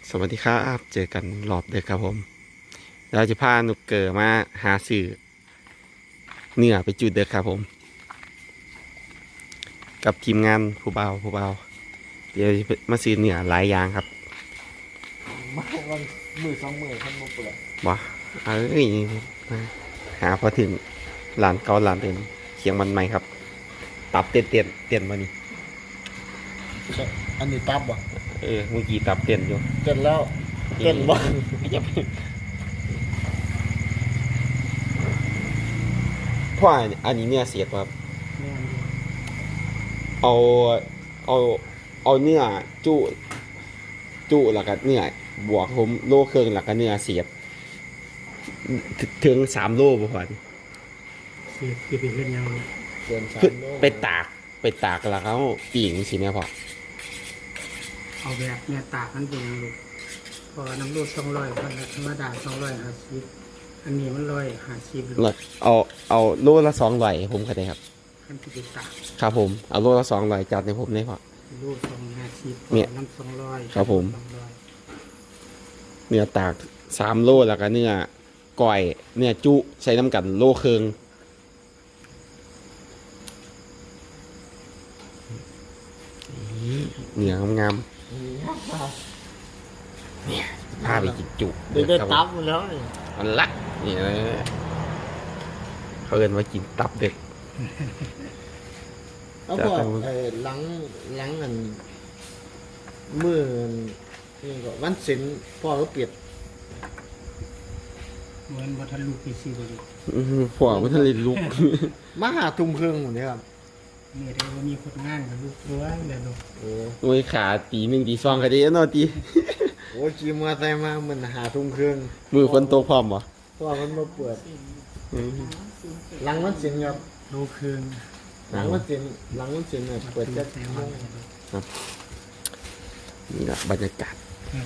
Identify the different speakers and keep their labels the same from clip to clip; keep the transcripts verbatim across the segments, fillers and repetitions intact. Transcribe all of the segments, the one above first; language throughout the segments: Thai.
Speaker 1: สวัสดีครับเจอกันรอบเด็กครับผมเราจะพานุกเกอร์มาหาสื่อเนื้อไปจุดเด็กครับผมกับทีมงานผู้เบาผู้เบาเดี๋ยวมาซื้อเนื้อหลายอย่างครับ
Speaker 2: มาวันมือสองมือท่านมาเปิด
Speaker 1: บ่เอ้ยมาหาพอถึงหลานเกาหลานเต็นเคียงมันใหม่ครับตับเตียนเตียนเตียนมานี่
Speaker 2: อันนี้ตับบ่
Speaker 1: เออเมื่อกี้ตับเตียนอยู่
Speaker 2: เต้นแล้วเต้นบ่
Speaker 1: เพราะอันนี้เนี่ยเสียบครับเอาเอาเอาเนื้อจุจุแล้วก็เนื้อบวกผมโลเครื่องแล้วก็เนื้อเสียบถึงสามโลบ่พอ
Speaker 3: เสียบเก็บไปเฮ็ดหยัง
Speaker 2: เกินสามโล
Speaker 1: ไปตากไปตากแล้วเขาปีงสิแม่พ่อ
Speaker 3: เอาแบบเนี่ยตากมันเป็นหยังลูกพอน้ำรูดสองร้อยพันธรรมดาสองร้อยห้าสิบอันนี้มันร้อยห้าสิบลูก
Speaker 1: เอาเอาโลละสองร้อยผมก็ได้ครับ
Speaker 3: ขั้นที่ไปตาก
Speaker 1: ครับผมเอาโลละสองร้อยจัดในผมได้พ่อ
Speaker 3: รูดสองห้าสิบ
Speaker 1: เนี่ย
Speaker 3: น้ำสองร้อย
Speaker 1: ครับผม
Speaker 3: สองร้อย
Speaker 1: เนื้อตากสามโลแล้วก็เนื้อก้อยเนื้อจุใส่น้ำกันโลครึ่งเนื้องามๆเนี่ยพาไปกินจุ
Speaker 2: ได้ได้ตับหมดแล้ว
Speaker 1: มันลักนี่นะเขาเอินว่ากินตับเด็ก
Speaker 2: แล้วพอไอ้หลังหลังอันมือนี่ก็วันศิลพ่อก็เปรียบ
Speaker 3: เหมือนวัฒนลูกปีซีบริ
Speaker 1: อื้อหือผัวมันทะเลลุก
Speaker 2: มาหาทุ่มเครื่องหมดเลยครับ
Speaker 3: เนี่ยได้ว่ามีคนงานกับลูกด้วยแล้วลูก
Speaker 2: โอ้
Speaker 1: โอ้ยขาตีหนึ่งตีสองก็ดีเนาะตี
Speaker 2: โหขี่มอไซค์มามันหาทุ่มเครื่อง
Speaker 1: มือฝนตกพร้อมบ่
Speaker 2: พ่อมันมาเปิด
Speaker 1: อืม
Speaker 2: หลังวันศิลครับ
Speaker 3: ลูกคืน
Speaker 2: หลังวันศิลหลังวันศิลเนี่ยเปิดจะ
Speaker 3: แซงวันเลยลูก
Speaker 1: นี่แหละบรรยากาศ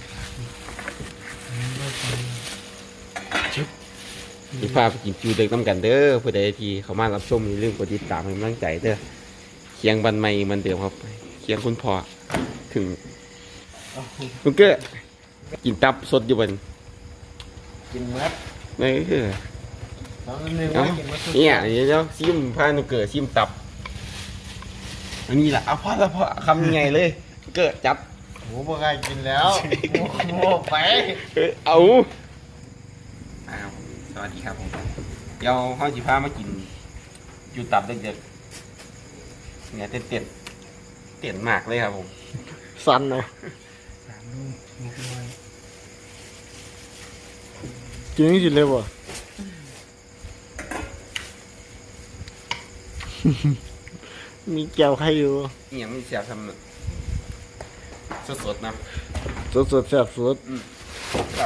Speaker 1: มีภาพกินจูเด็กน้ำกันเด้อผู้ใดที่เขามารับชมอย่าลืมกดติดตามให้กำลังใจเด้อเคียงบันไม่มันเดิมครับเคียงคุณพ่อถึงลุงเก้อกินตับสดอยู่บน
Speaker 2: กินมัด
Speaker 1: นี่คือ
Speaker 2: ตอนนั้นเนี่ย
Speaker 1: เอ้า
Speaker 2: ว่ากินมัด
Speaker 1: เนี่ยเดี๋ยวซิมพานุเกิดซิมตับอันนี้แหละเอาพ่อแล้วพ่อคำยังไงเลยเกิดจับ
Speaker 2: โหบ่กล้ากินแล้วโอ้โหไป
Speaker 1: เอ้ยเอาอ้าวสวัสดีครับผมเดี๋ยวห้องจีพามากินอยู่ตับเด็กๆเนี่ยเต้นเต้นเต้นมากเลยครับผม
Speaker 2: สันเลย
Speaker 3: สามลูกหกร้อย
Speaker 2: กินกินเลยบ่ มีแก้วใครอยู่
Speaker 1: นี่ยังไม่เสียบทำสดๆนะ
Speaker 2: สดสดแซ่บสด
Speaker 1: ครับ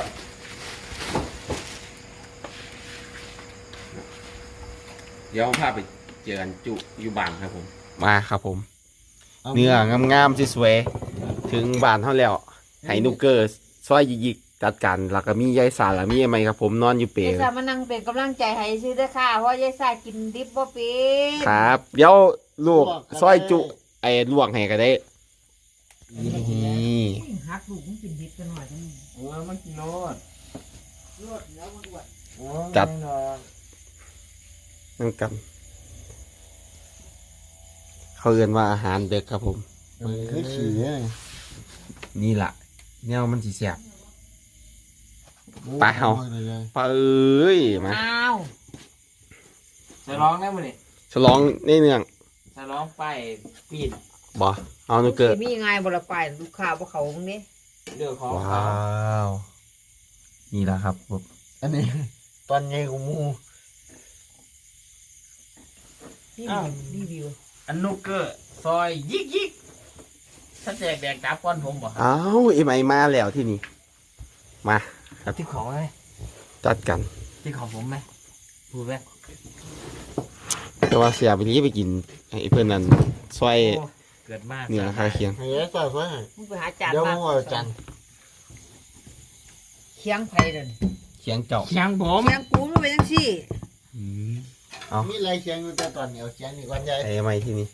Speaker 1: เดี๋ยวพาไปเจอกันจุอยู่บ้านครับผม มาครับผม เนื้องามๆสวยๆถึงบ้านเท่าแล้วไห้นุกเกอร์ซอยยิกๆจัดการแล้วก็มียายสาแล้วมีอะไรครับผมนอนอยู่เปร
Speaker 4: ยายสามานั่งเป็นกำลังใจให้ซื้อเด้อค่ะเพราะยายสากินดิบบ่เป็น
Speaker 1: ครับ เดี๋ยวลูกซอยจุไอ้ลวกให้ก็ได้นี่
Speaker 4: หักลูกมันกินดิบกันหน่อยจัง
Speaker 2: โอ้ยมันกินโนด
Speaker 4: รวดแล้วมันอวด
Speaker 2: โอ้ยไม่นอน
Speaker 1: นั่งกัน เขาเรียนว่าอาหารเด็กครับผม
Speaker 2: มันคือขี่เนี่ย
Speaker 1: นี่แหละเนี่ยมันสีแสบ ไปเอา ไปเอ้ยมา
Speaker 4: อ้าว
Speaker 5: จะร้องได้มั้ยนี่
Speaker 1: ฉลองในเนื่อง
Speaker 5: จะร้องไปปีน
Speaker 1: บ่เอานุกเกอร์
Speaker 4: สิมีไงบ่ละไปลูกค้าบ่เขาตรงนี้
Speaker 5: เรื่องของ
Speaker 1: ว้
Speaker 5: เขา
Speaker 1: าวนี่แหละครับผม
Speaker 2: อันนี้ตอนใหญ่ของหมู
Speaker 4: นี่รีวิว
Speaker 5: อันนุกเกอร์ซอยยิกยิกถ้าแจกแดกจับก้อนผมบ่
Speaker 1: อ้าวเอ็มไอมาแล้วที่นี่มาครับ
Speaker 5: ที่ของไหม
Speaker 1: จัดกัน
Speaker 5: ที่ของผมไหมพูดไหม
Speaker 1: แต่ว่าเสียไปนี้ไปกินไอ้เพื่อนนั้นซอย
Speaker 5: โอ้เกิดมาก
Speaker 1: เนื้อคาเคียง
Speaker 2: ให้ยายสาวสวยให้
Speaker 4: มึงไปหาจาน
Speaker 2: เดี๋ยว
Speaker 4: มา
Speaker 2: มึงเอาจาน
Speaker 4: เคียงไผเด้อ
Speaker 1: เคียงเจ้า
Speaker 5: เชียงผม
Speaker 4: เคียงกูมันเป็นจังซี่
Speaker 1: อืมเอา
Speaker 2: มีอะไรเคียงอยู่แต่ตอนนี้เอาเคียงนี่ก่อนใหญ่
Speaker 1: ไอ้ไม้ที่นี่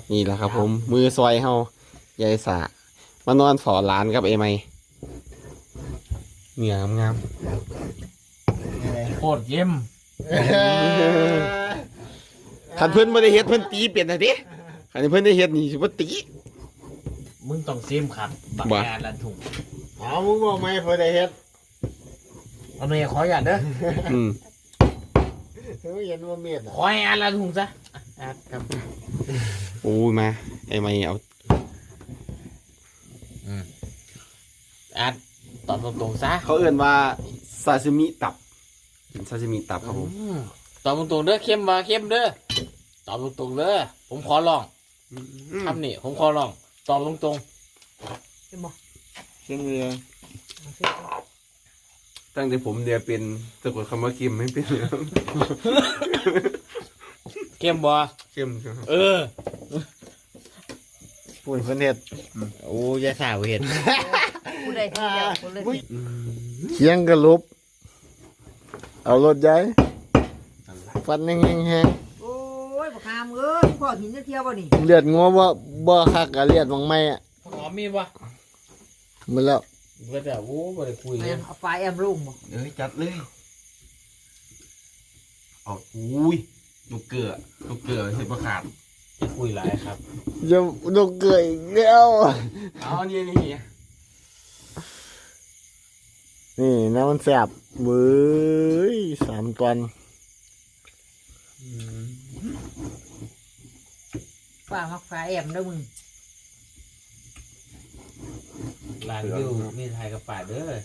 Speaker 1: นี่แหละครับ ผม มือซอยเฮายายสามานอนฝอร้านกับไอ้ไม้เหนียงาม
Speaker 5: โคตรเยี่ยม
Speaker 1: ๆคันเพิ่นไม่ได้เฮ็ดเพิ่นตีเปลี่ยนนะดิคันเพิ่นได้เฮ็ดนี่สิบ่ตี
Speaker 5: มึงต้องซิมครับบัก
Speaker 1: บ่
Speaker 5: แอร์ลันถุง
Speaker 2: เอามึงบอกไหมเพื่อได้เฮ็ด
Speaker 5: เอาเมียขออย่าตเด้อ
Speaker 1: อืม
Speaker 2: เฮ้ยเห็นว่าเมียดอ่ะ
Speaker 5: ขอให้แอร์ลันถุงซะแอร์ครับ
Speaker 1: โอ้ยมาไอ้ไม้เอา
Speaker 5: แอร์ตอบตรงๆซะ
Speaker 1: เขาเอื่นว่าซาซิมิตับเป็นซาซิมิตับครับผม
Speaker 5: อืมตอบตรงๆเด้อเข้มมาเข้มเด้อตอบตรงๆเด้อผมขอลองคำนี้ผมขอลองตอบตรง
Speaker 4: เห็นบ่
Speaker 1: เชียงเรือตั้งแต่ผมเดียเป็นสะกดคำว่ากิมไม่เป็น
Speaker 5: ๆเข้มบ่
Speaker 1: เข้มครับ
Speaker 5: เออ
Speaker 2: พูดเพื่อนเฮ็ด
Speaker 5: โอ้ยายสาวเห็น
Speaker 4: ผู้ใดที่เดียวคนเลย
Speaker 2: เคียงกระลุบเอารถย้ายฟันแห้ง
Speaker 4: โอ้ยบักหามเอ้ยพ่อหินจะเที่ยวบ่นี่
Speaker 2: ๆเลือดงัวบ่บ่คักกะเลือดบางไม่อ่ะ
Speaker 5: หอมมีบ่
Speaker 2: หมดแล้ว
Speaker 5: เพื่อแต่โอ้บ่ได้คุยเล
Speaker 4: แม่
Speaker 5: ย
Speaker 4: นเอาไฟแอมลุงบ่
Speaker 1: เอ้ยจัดเลยเอาอุ้ยลูกเกลือลูกเกลือเห็นประขาด
Speaker 5: จะคุยหลายครับ
Speaker 2: จะดกเกยอีกแล้ว
Speaker 1: เอานี่นี่
Speaker 2: นี่น้ำมันแสบเบ้ยสามตอน
Speaker 4: ฟ้ามักไฟแอมเด้อมึง
Speaker 5: ร้านวิวมีไทยกับป่าเด้อ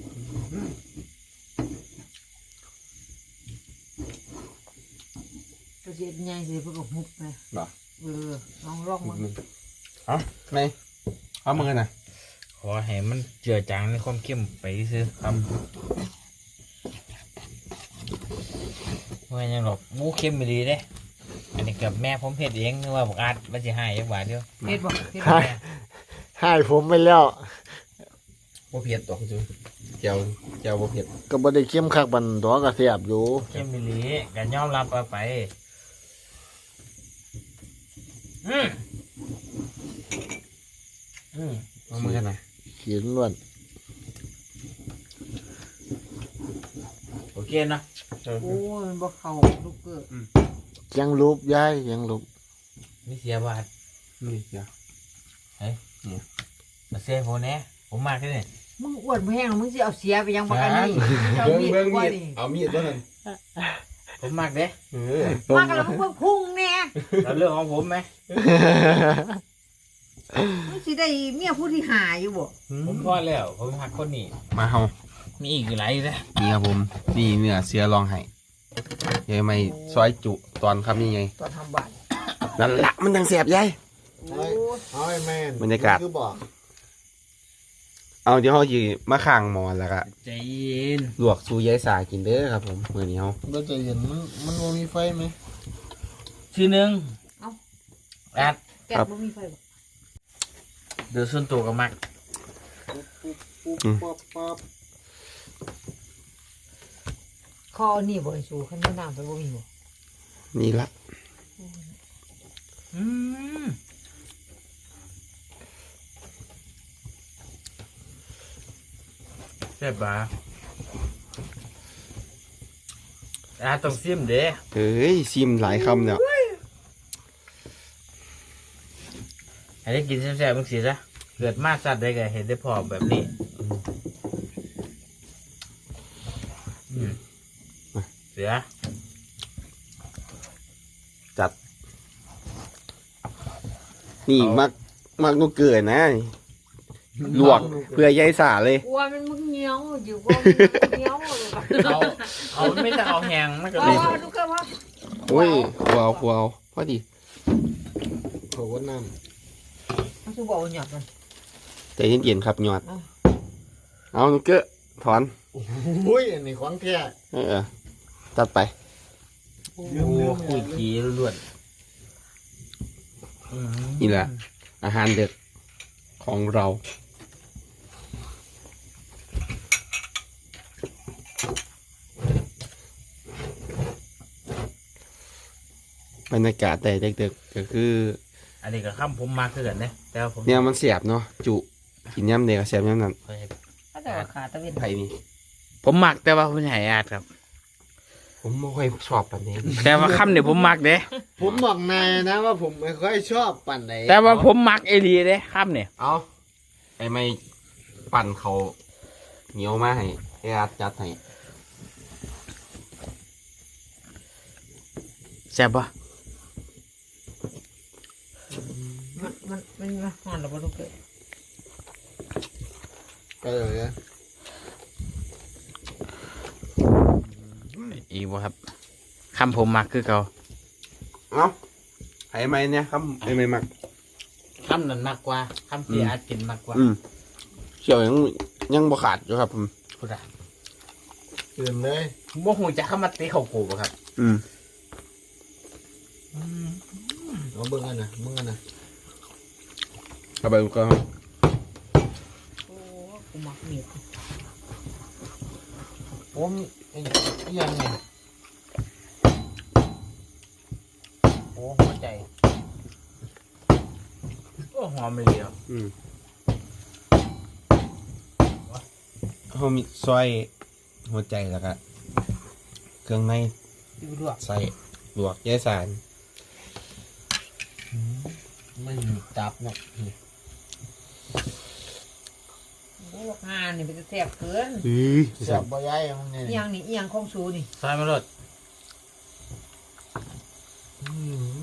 Speaker 4: ก็สิใหญ่สิเพิ่นก็หุบไป
Speaker 1: เหรอ
Speaker 4: เออลองลองมึง
Speaker 1: เอาไหนเอามือน่ะ
Speaker 5: ขอให้มันเจือจางในความเข้มไปซื้อครับว่ายังหรอกหมูเข้มไม่ดีเด้อันนี้กับแม่ผมเผ็ดเองนึกว่าบอกอาดมันจะให้ยังหวานเดียว
Speaker 4: เฮ็ดบ่เฮ็ด
Speaker 2: ให้
Speaker 4: บ่
Speaker 2: ให้ผมไปแล้ว
Speaker 1: บ่เผ็ดตอกจุเจียวเจียวบ่เผ็ด
Speaker 2: ก็บ่ได้เข้มคักบันดอกก็แสบอยู่
Speaker 5: เข้มไม่ดีกันยอมรับเอาไปอืมอืม
Speaker 1: เอามือน่ะ
Speaker 2: ขีดล้วน
Speaker 5: โอเคเนาะ
Speaker 4: โอ้ยมันบ่เข้าลูกเกิด
Speaker 2: เคียงรูปย้ายเคียงรูป
Speaker 5: นี่เสียบาท
Speaker 1: นี่เจียว
Speaker 5: มาเสียผมแน่ผมมากแค่นี้
Speaker 4: มึงอ้วนบ่แห้งมึงสิเอาเสียไปยังบักอันนี้เอา
Speaker 1: เบิ่ง
Speaker 4: มีด
Speaker 1: เบิ่ง
Speaker 4: กว่า
Speaker 1: มีด
Speaker 4: นี่
Speaker 1: เอามีดตัวนั้น
Speaker 5: ผมมากเด้
Speaker 1: เออ
Speaker 4: มากันแล้วมึงเพิ่งพุ่งแน่
Speaker 5: แล้วเรื่องของผมไหม
Speaker 4: มึงสิได้เมียผู้ที่หาอยู่บ่
Speaker 5: ผมพอแล้ว ผมหักคนนี้
Speaker 1: มาเฮา
Speaker 5: มีอีกหลายนะ
Speaker 1: นี่ครับผมนี่เนื้อเสียลองให้ยายไม่ซอยจุตอนครับนี่ไง
Speaker 4: ตอนทำบ้าน
Speaker 1: นั่นละมันดังแสบยาย
Speaker 4: โอ้ย
Speaker 2: เอาไอ้แม่น
Speaker 1: บรรยากาศ
Speaker 2: คือบอก
Speaker 1: เอาเดี๋ยวเขาจีมาข้างหมอนแล้วก็
Speaker 5: ใจเย็น
Speaker 1: ลวกซูยายสากินเด้อครับผมมื้อนี้เฮา
Speaker 2: เราจะเห็นมันมันบ่มีไฟไหม
Speaker 5: ชื่อหนึ่ง
Speaker 4: เอ้า
Speaker 5: แอด
Speaker 4: แกะบ่มีไฟบ่
Speaker 5: เดือดส่วนตัวกับมัก
Speaker 2: ปุ๊บปุ๊บปั๊บปั๊บ
Speaker 4: คอนี่บ่ไอ้สูคันมีน้ำไปบ่มีบ่
Speaker 1: นี่ละ
Speaker 5: อืมแซ่บปะอาต้องซิมเด้
Speaker 1: เอ้ยซิมหลายคำแล้ว
Speaker 5: ให้ได้กินแซ่บๆมึงสิซะเกิดมาสัตว์ได้ก็เห็นได้พอแบบนี้อืมเสือ
Speaker 1: จัด นี่มักมักนกเกิดนะลวกเพื่อยายสาเลย
Speaker 4: กลัวมันมึงเหนียวอยู่กลัวมันเหนียวเลยบ่
Speaker 5: เอาเอาไม่ต้องเอาแหงมันก็
Speaker 4: เอา
Speaker 5: เลย
Speaker 4: เอาดูกันว่า
Speaker 1: โอ้ยครัวเอาครัวเอาพอดี
Speaker 2: เขาว่าน้
Speaker 4: มันสิบอกว่าหยัดมัน
Speaker 1: ใจเย็นๆครับหยอด
Speaker 4: เอา
Speaker 1: เอานกเกอถอน
Speaker 2: ำอุ้ยอันนี้ของแท้
Speaker 1: เออจัดไป
Speaker 5: โอ้คุยขี้ล้วนๆอืม
Speaker 1: นี่แหละ อาหารเด็ดของเรา บรรยากาศแต่เด็กๆก็คือ
Speaker 5: อันนี้ก็ข้ามผมมากขึ้นกันเนี่ยแต่ว่าผม
Speaker 1: เนี่ยมันเสียบเนาะจุกินย่ำเด็กเสียบย่ำนั้น
Speaker 5: ค่อยให้
Speaker 4: ถ้าแต่ว่าขาตะเวน
Speaker 1: ไผ่นี่
Speaker 5: ผมมักแต่ว่าผมใหญ่อาดครับ
Speaker 1: ผมไม่ค่อยชอบแบบนี้
Speaker 5: แต่ว่าคำเนี่ยผมมักเด้
Speaker 2: ผมบอกนายนะว่าผมไม่ค่อยชอบปั่นไหน
Speaker 5: แต่ว่าผมมักเอรีเด้คำเนี่ย
Speaker 1: เอาไอ้ไม่ปั่นเขาเหนียวมาให้ไอ้อาจัดให้
Speaker 5: แซ่บปะ
Speaker 4: มันมันมันมันหอนหรือเปล่าลูกเอ้ย
Speaker 2: ก็เลยนะ
Speaker 5: อีกบ่ครับคำผมมักคือเก่า
Speaker 1: เอาไอ้ไม่เนี่ยครับไอ้ไม่มัก
Speaker 5: คำนั้นมากกว่าคำที่อาจกินมากกว่า
Speaker 1: อืมเขียวยังยังบ่ขาดอยู่ครับผม
Speaker 5: พูดอะ
Speaker 2: ตื่นเลย
Speaker 5: โมโหจะเข้ามาเตะเขาโกบ่ครับ
Speaker 1: อืม
Speaker 2: เอาเบิ้งกันนะเบิ้งกันนะ
Speaker 1: เอาไปก็
Speaker 4: โอ้กูมักเมียด
Speaker 2: ผมไอ้ไอ้ยังไง
Speaker 5: โอ้หัวใจโอ้หอมเลยเดียว
Speaker 1: อืมเขามีซอยหัวใจแล้วก็เครื่องใน
Speaker 5: ดูด้วย
Speaker 1: ใส่ลวกแย่สาร
Speaker 2: ไม่มีตับเนาะ
Speaker 4: โอ้งานนี่เป็นแซ่บเกิน
Speaker 1: อือ
Speaker 2: เสียบบ่ย้ายมันไง
Speaker 4: เอียงนี่เอียงของสูนี่
Speaker 5: ซอยมาเลย
Speaker 2: อืม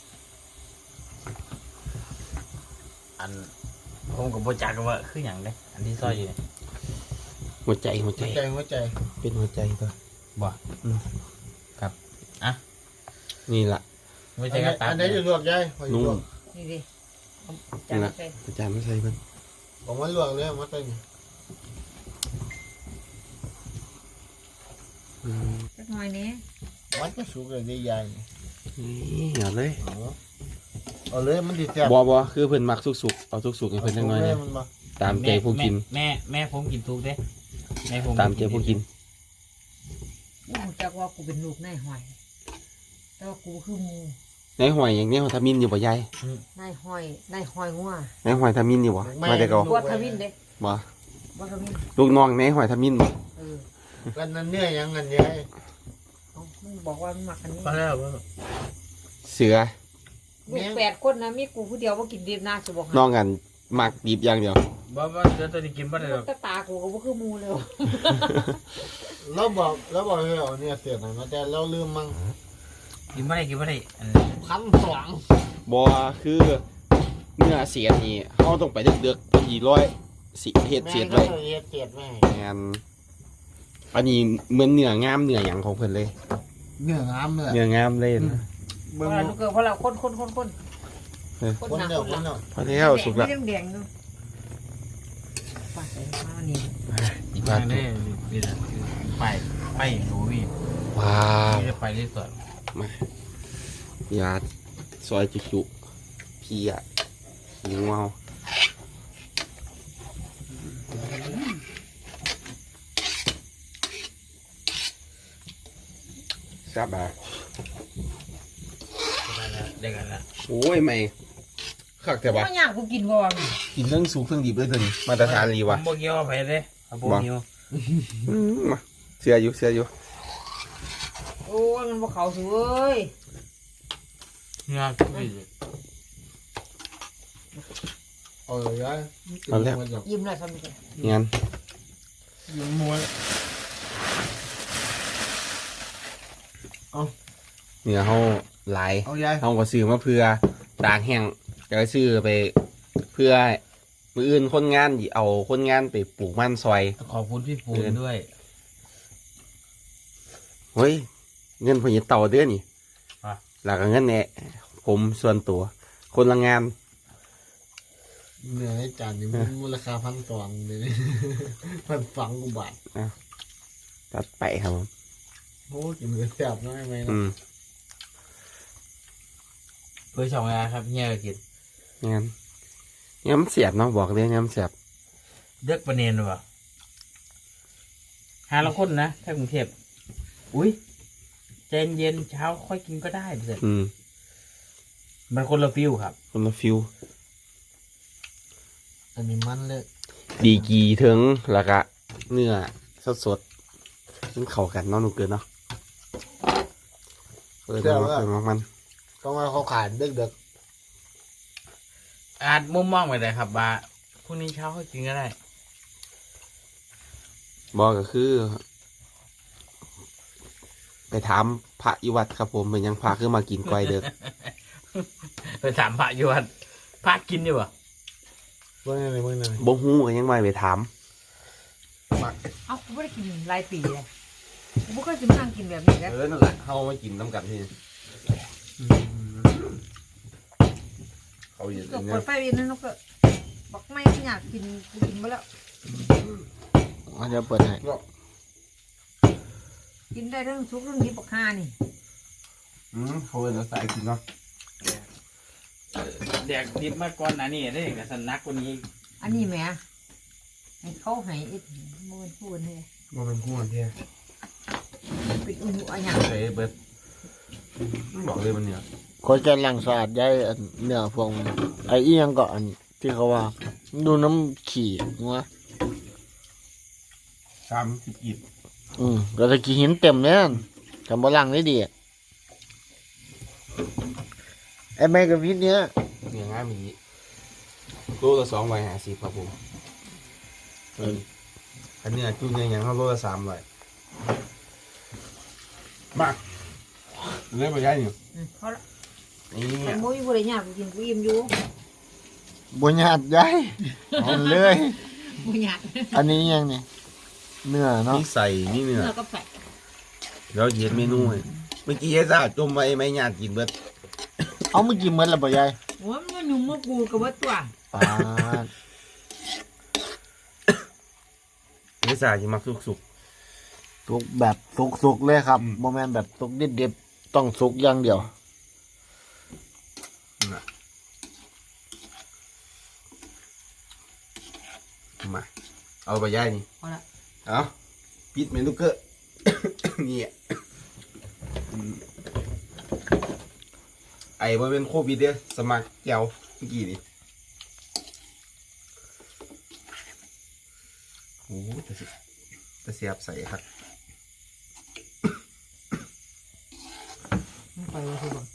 Speaker 5: อันผมกับโบจักกันว่าคืออย่างเด้อันที่ซอยอยู่เนี่ย
Speaker 1: หัวใจหัวใจ
Speaker 2: หัวใจหัวใจ
Speaker 1: เป็นหัวใจตัว
Speaker 5: บ่
Speaker 1: อืม
Speaker 5: ครับอ่ะ
Speaker 1: นี่ล่ะ
Speaker 5: ไม่
Speaker 2: อั
Speaker 5: ใช่
Speaker 2: น
Speaker 5: ก
Speaker 2: ไหน
Speaker 5: ระตั
Speaker 2: อั
Speaker 5: บ
Speaker 2: นไหนจะลวกย้ายคอยล
Speaker 1: นุ่
Speaker 2: ว
Speaker 1: ม
Speaker 2: ก
Speaker 4: นี่ดิเอาจา
Speaker 1: นี่
Speaker 4: น
Speaker 1: ล่ะ
Speaker 4: ใส่
Speaker 1: อาจารย์ไม่ใส่เพิ่น
Speaker 2: ผมว่าลวกเลยมาใส่นี่
Speaker 1: อืม
Speaker 4: สักหน่อยนี้
Speaker 2: มันก็สุกเลยได้ย้ายนี่
Speaker 1: นี่เอาเลย
Speaker 2: เอาเอาเลยมันติดแซ่บ
Speaker 1: บ่บ่คือเพิ่นมักสุกๆเอาสุกๆให้เพิ่นจักหน่อย
Speaker 2: เล
Speaker 1: นะ
Speaker 2: มันมา
Speaker 1: ตามใจผู้กิน
Speaker 5: แม่แม่ผมกินทุกเด้แม่ผม
Speaker 1: ตามใจผู้กิน
Speaker 4: กูรู้จักว่ากูเป็นลูกนายหอย แต่ว่ากูคือหมู
Speaker 1: ในหอยอย่างนี้หอยทามินอยู่บ่ยาย
Speaker 4: นายหอยนายหอยงัว
Speaker 1: ในหอยทามินอยู่บ่มาแต่เก่า
Speaker 4: บัวทวินเด้
Speaker 1: บ่
Speaker 4: บัวทวิน
Speaker 1: ลูกน้องในหอยทามินบ่
Speaker 4: เออ
Speaker 2: กันนั่นเนี่ยยังกันย้าย
Speaker 4: เอามึงบอกว่ามึงมักอันนี้
Speaker 5: ก็แล้วว่า
Speaker 1: เสือ
Speaker 4: ลูกแปดคนนะมีกูผู้เดียวว่ากินดิบน่าจะบอกให้
Speaker 1: น้องกันมักดิบอย่างเดียว
Speaker 5: บ่บ่เดี๋ยวตัวนี้กินบ่ได้หรอก
Speaker 4: ตาตากูก็บ่คือหมูเลย
Speaker 2: เราบอกเราบอกให้เอาเนี่ยเสียหน่อยนะแต่เราลืมมั้ง
Speaker 5: กินบ่ได้กินบ่ได้อัน
Speaker 2: พันสอง
Speaker 1: บ่คือเนื้อเสียนี่เฮาต้องไปเดือกๆอีร้อยสิเฮ็ด
Speaker 2: แม่
Speaker 1: เสียด
Speaker 2: ก็
Speaker 1: ไว้
Speaker 2: เลยเฮ็ดเสียดแม่
Speaker 1: งานอันนี้เหมือนเนื้องามเนื้อหยังของเพิ่นเลย
Speaker 2: เนื้องามเลย
Speaker 1: เนื้องามเลยนะ
Speaker 4: เพ
Speaker 2: เบิ่ง
Speaker 4: ราะเราลูกเกิดเพราะเราคนคนคนคน
Speaker 1: เออ
Speaker 4: คน
Speaker 2: คน
Speaker 4: หนัก
Speaker 2: เดียว
Speaker 4: คน
Speaker 2: คน
Speaker 4: หลั
Speaker 2: เดี
Speaker 4: ง
Speaker 2: ยว
Speaker 1: พอแล้วสุกแล้ว
Speaker 4: แดงแดงอยู่ปาดใส่มาอันนี้
Speaker 1: อีก
Speaker 5: ทา
Speaker 1: บาง ท
Speaker 5: ได้นี่แหละคือไปไปดูพี่
Speaker 1: ว้าว
Speaker 5: นี่จะไปที่สวน
Speaker 1: ยาซอยจุๆพี่อ่ะหิวเอาทราบบ่า
Speaker 5: ได้กันละ
Speaker 1: โอ้ยไม่คักแต่ว่า
Speaker 4: ไม่อยากกูกินบ่วะ
Speaker 1: กินเรื่องสูงเครื่องดิบเลยตัวนี้มาตรฐานรี
Speaker 5: ผ
Speaker 1: วะ
Speaker 5: มบ่เกี่ยวกับไปเลยครับผมเกี่ยว
Speaker 1: อืมมาเสียอยู่เสียอยู่
Speaker 4: โอ้ยมันบ่เขาสเว้ย
Speaker 5: งานทุกปี
Speaker 2: เอาเลยย้าย
Speaker 4: ยิ้มเลยซ้ำไป
Speaker 1: งั้น
Speaker 2: ยิงมวย
Speaker 1: เนื้อเขาหลาย
Speaker 2: เอาย้าย
Speaker 1: เขาก็ซื้อมาเพื่อตากแห้งก็ซื้อไปเพื่อมืออื่นคนงานสิเอาคนงานไปปลูกมันซอย
Speaker 5: ขอบคุณพี่ปูนด้วย
Speaker 1: เฮ้ยเงินพญเต่าเดือนนี่
Speaker 5: อ่ะ
Speaker 1: หลักเงินเนี่ยผมส่วนตัว คนละงาน
Speaker 2: เนื้อในจานนี้มันมูลค่าพันสองเลย พันสองกว่าบาท
Speaker 1: ตัดไปครับผม
Speaker 2: โอ้กินเนื้อแซ่บน้อยไหม
Speaker 1: อืม
Speaker 5: เพื่อช่องงานครับเฮียก็กิน
Speaker 1: งั้นงั้นมันเสียบเนาะบอกเลยงั้นมันเสียบ
Speaker 5: เด็กประเนียนหรือเปล่าหาละคนนะถ้ากรุงเทพอุ้ยใจเย็นเช้าค่อยกินก็ได้เสร็จ
Speaker 1: อืม
Speaker 5: มันคนละฟิวครับ
Speaker 1: คนละฟิว
Speaker 2: อันนี้มันเลย
Speaker 1: ดีกีถึงแล้วก็เนื้อสดสดๆมันเข้ากันเนาะหนูเกินเนาะเออเดี๋ยวมาเติมมัน
Speaker 2: ต้องมาเขาขายเด็กเด็ก
Speaker 5: อาจมุมมองไปเลยครับว่าพรุ่งนี้เช้าค่อยกินก็ได้
Speaker 1: บอกก็คือ ไปถามพระอิวัดครับผมเป็นยังพาขึ้นมากินก้อยเด็ก
Speaker 5: ไปถามพระอยู่ว่าพระกินอยู่ปะ
Speaker 2: เมื่อไงเมื่อไง
Speaker 1: บ่ฮู้ก็ยังไม่ไปถาม
Speaker 4: เอ้ากูไม่ได้กินหลายปีเลยกูไม่เคยจะมานั่งกินแบบนี้แล้ว
Speaker 1: เออนั่นแหละเขามากินน้ำกันที่เขาอยู่
Speaker 4: ก็
Speaker 1: ใน
Speaker 4: เปิดไฟเย็นนั่นก็บอกไม่อยากกินกูกินมาแล้ว
Speaker 2: เขาจะเปิดให้
Speaker 4: กินได้เรื่องซุปเรื่องนี้บอกห้านี่
Speaker 1: อืมเขาเป็นสายกินเนาะ
Speaker 5: แดกดิบมาก่อนนะนี่ได้กับสนักกว่านี้
Speaker 4: อันนี้แหม่ให้เขาให้อิดมันพูดเลย
Speaker 1: มันเป็นคู่กันเที่ย
Speaker 4: เป็นอุ่นอันอย่าง
Speaker 1: เฮ้ยเบิร์ดบอกเลยมันเนี่ย
Speaker 2: เขาจะล้างสะอาดย้ายอันเนื้อพวกมันไอ้อียังก็อันที่เขาว่า ดูน้ำขี่งัว
Speaker 1: สามสิบกีบ
Speaker 2: อืมก็จะกี่หินเต็มเนี่ยทำบลังได้ดีอะไอ้แม่กับพิษเนี้ย
Speaker 1: เนื้อง่ายมีโลละสองร้อยห้าสิบครับผมเอออันเนื้อจุ่มเนื้ออย่างเขาโลละสามร้อยมาเล่นไปได้อยู่
Speaker 4: อืมเขาละ
Speaker 1: นี่
Speaker 4: แต่มุ้ยบริญญากูกินกูอิ่มอยู่
Speaker 2: บุญญาติย้ายเอาเลย
Speaker 4: บุญญา
Speaker 2: อันนี้ยังนี่เนื้อเนาะ
Speaker 1: นี่ใส่นี่เนื้อ
Speaker 4: เนื้อก็ใส่
Speaker 1: แล้วเย็นเมนูให้เมื่อกี้ไอ้ซ่าจมไว้ไม่ญาติกินเบิด
Speaker 2: เอาเมื่อกี้เหมือนละบ่ยาย
Speaker 4: โอ้ยมันยุ่งมากูกับว่าตัว
Speaker 2: ปาด
Speaker 1: ไอ้ซ่าจะมักสุก
Speaker 2: สุกแบบสุกๆเลยครับโมเมนแบบสุกดิบๆต้องสุกอย่างเดียว
Speaker 1: ๆน่ะมาเอาไปย่ายนี่
Speaker 4: เอาละ
Speaker 1: เอาปิดเมนูเกอร์ นี่อ่ะอืมไอ้บ่เป็นโควิดเด้อสมัครแก้วเมื่อกี้นี่โอ้แต่สิแต่เสียบใส่ครับ
Speaker 4: มันไปเลยคือบอก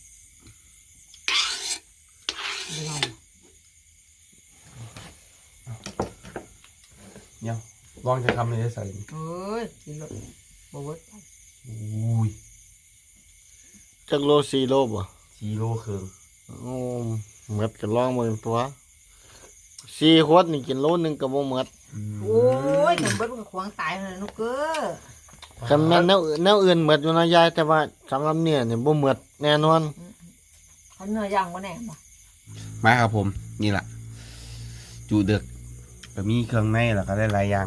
Speaker 4: ไม่เอา
Speaker 1: เนี่ยลองจะทำเลยได้ใส่นี่
Speaker 4: เอ้ยกินเลยบอกว่า
Speaker 1: อุ้ย
Speaker 2: จักโลสี่โลบ่
Speaker 1: ชีโลเคือง
Speaker 2: โอ้เหมือดกันลองมือตัวสี่ขวดนี่กินโลหนึงก็บ่เหมือด
Speaker 4: โอ้ยหนุ่มเบิดมันก็ขวางตายเลยนุกเกอร์
Speaker 2: คำแม่นแนวอื่นแนวอื่นเหมือดอยู่นะยายแต่ว่าสำหรับเนี่ยนี่บ่เหมือดแน่นอน
Speaker 4: เขาเนื้อย่างก็แน่บ่
Speaker 1: มาครับผม นี่แหละจูเดือกก็มีเครื่องในแล้วก็ได้หลายอย่าง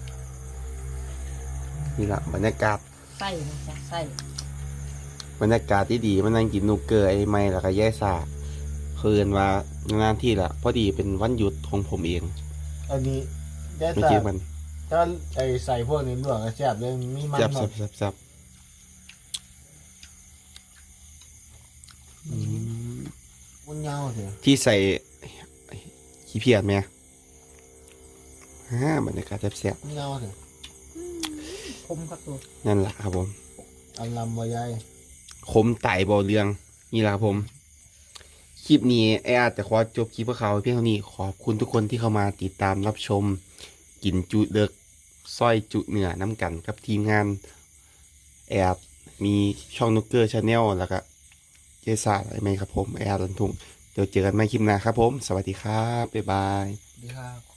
Speaker 1: นี่แหละบรรยากาศ
Speaker 4: ไส้นะจ๊ะไส้
Speaker 1: บรรยากาศที่ดีมันนั่งกินนูเกอร์ไอ้ไม้แล้วก็แย่ซาคืนว่างานที่ละพอดีเป็นวันหยุดของผมเอง
Speaker 2: อันนี้ได้
Speaker 1: ไม่
Speaker 2: แต่
Speaker 1: เจอมัน
Speaker 2: ถ้าไอ้ใส่พวกนี้ลวกก็แซ่บเลยมีมัน
Speaker 1: จับ
Speaker 2: หน่
Speaker 1: จั
Speaker 2: อบ ย
Speaker 1: จับจับอืม
Speaker 2: มันยาวเถอะ
Speaker 1: ที่ใส่ขี้เพียดไหมฮ่าบรรยากาศแซ่บ
Speaker 2: มันยาวเถอะ
Speaker 4: คมกับตัว
Speaker 1: ๆนั่นแหละครับผม
Speaker 2: อันลำบ่ยาย
Speaker 1: คมไต่บ่อเรือง นี่แหละครับผม คลิปนี้ไออาจจะขอจบคลิปเพื่อเขาเพียงเท่านี้ขอบคุณทุกคนที่เข้ามาติดตามรับชม กินจุเด็กสร้อยจุเหนือน้ำกันกับทีมงานแอดมีช่องนุกเกอร์ชาแนลแล้วก็เจซ่าอะไรไหมครับผมแอดลันทุงเดี๋ยวเจอกันใหม่คลิปหน้าครับผม สวัสดีครับ บ๊ายบาย
Speaker 2: ดีครับ